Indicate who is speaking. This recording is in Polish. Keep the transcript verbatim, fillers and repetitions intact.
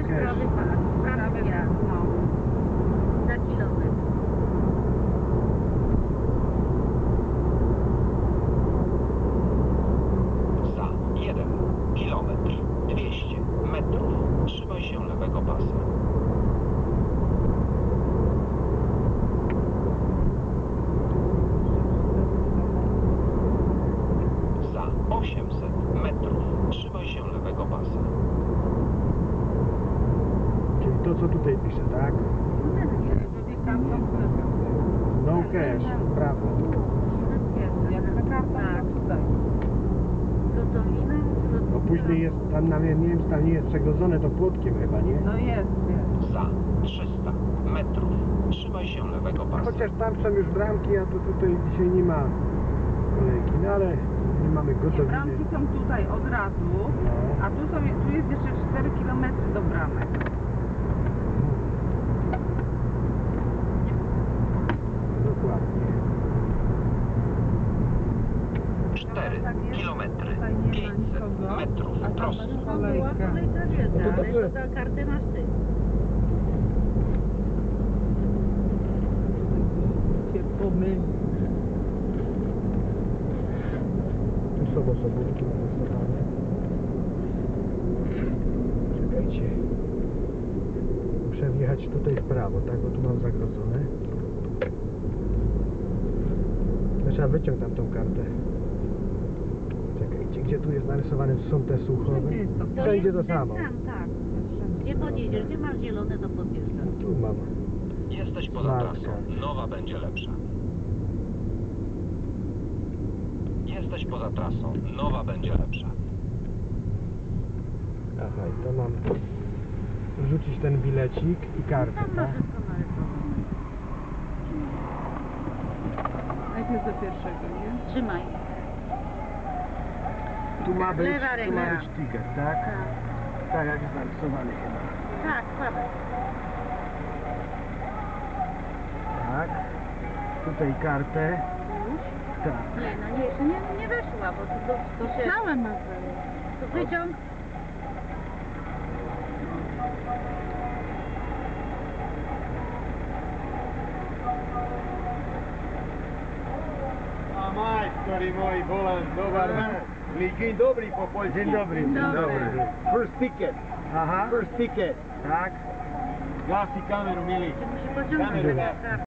Speaker 1: jest
Speaker 2: cash.
Speaker 1: prawy pas, prawy ja, no. Za kilometr.
Speaker 3: Za jeden kilometr dwieście metrów trzymaj się lewego pasa. Za osiemset metrów trzymaj się lewego pasa.
Speaker 2: Czyli to, co tutaj pisze, tak? No cash, prawo.
Speaker 1: Jak na kartach, tutaj. Gotowina,
Speaker 2: No później jest, tam na nie wiem, czy tam nie jest przegrodzone to płotkiem chyba, nie?
Speaker 1: no jest, jest.
Speaker 3: Za trzysta metrów trzymaj się lewego pasa.
Speaker 2: Chociaż tam są już bramki, a to tutaj dzisiaj nie ma kolejki, no ale nie mamy
Speaker 4: Nie,
Speaker 2: gotowiny.
Speaker 4: bramki są tutaj od razu,
Speaker 2: No.
Speaker 4: a tu, są, tu jest jeszcze cztery kilometry do bramek.
Speaker 2: Dokładnie.
Speaker 3: cztery kilometry
Speaker 4: Tutaj nie ma
Speaker 3: pięćset
Speaker 4: nikogo,
Speaker 3: metrów
Speaker 4: a tam
Speaker 3: prosto.
Speaker 4: jest
Speaker 1: Była
Speaker 4: kolejka.
Speaker 1: kolejka wiedza,
Speaker 2: No to
Speaker 1: ale
Speaker 2: dobrze.
Speaker 1: to za kartę masz ty.
Speaker 4: Się pomyli.
Speaker 2: Tu są osobówki narysowane. Czekajcie. Muszę wjechać tutaj w prawo, tak? Bo tu mam zagrodzone. No, trzeba wyciąć tam tą kartę. Czekajcie, gdzie tu jest narysowane, są te słuchowe?
Speaker 4: Wszędzie jest to.
Speaker 2: Wszędzie
Speaker 1: jest
Speaker 2: to
Speaker 1: ten
Speaker 2: samo.
Speaker 1: sam, tak. Gdzie podjedziesz, gdzie masz zielone, to podjeżdżasz.
Speaker 2: Tu mam.
Speaker 3: Jesteś poza
Speaker 2: Marka.
Speaker 3: trasą. Nowa będzie lepsza. Jesteś poza trasą. Nowa będzie lepsza.
Speaker 2: Aha, i to mam wrzucić ten bilecik i kartę,
Speaker 1: Tam masz
Speaker 2: tak?
Speaker 1: wszystko narysowane.
Speaker 4: Najpierw do pierwszego, nie?
Speaker 1: Trzymaj.
Speaker 2: Tu ma być,
Speaker 1: Lewa
Speaker 2: tu ma
Speaker 1: ręka.
Speaker 2: być ticket, tak?
Speaker 1: Tak,
Speaker 2: Tak jak jest narysowany chyba.
Speaker 1: tak, słabe.
Speaker 2: Tak. Tutaj kartę.
Speaker 1: Już?
Speaker 2: Tak.
Speaker 1: Nie, no nie, jeszcze nie, nie weszła, bo to, to, to się...
Speaker 4: Całe ma wejść.
Speaker 1: To wyciąg.
Speaker 5: A majstori moji, volan, dobar dan. Dzień dobry po polsku.
Speaker 2: Dzień dobry.
Speaker 1: Dzień dobry.
Speaker 5: First ticket.
Speaker 2: Aha.
Speaker 5: First ticket.
Speaker 2: Tak.
Speaker 5: Gasi kameru, mili.
Speaker 1: Musi pociągnąć
Speaker 5: Kamerę.
Speaker 1: na kartę.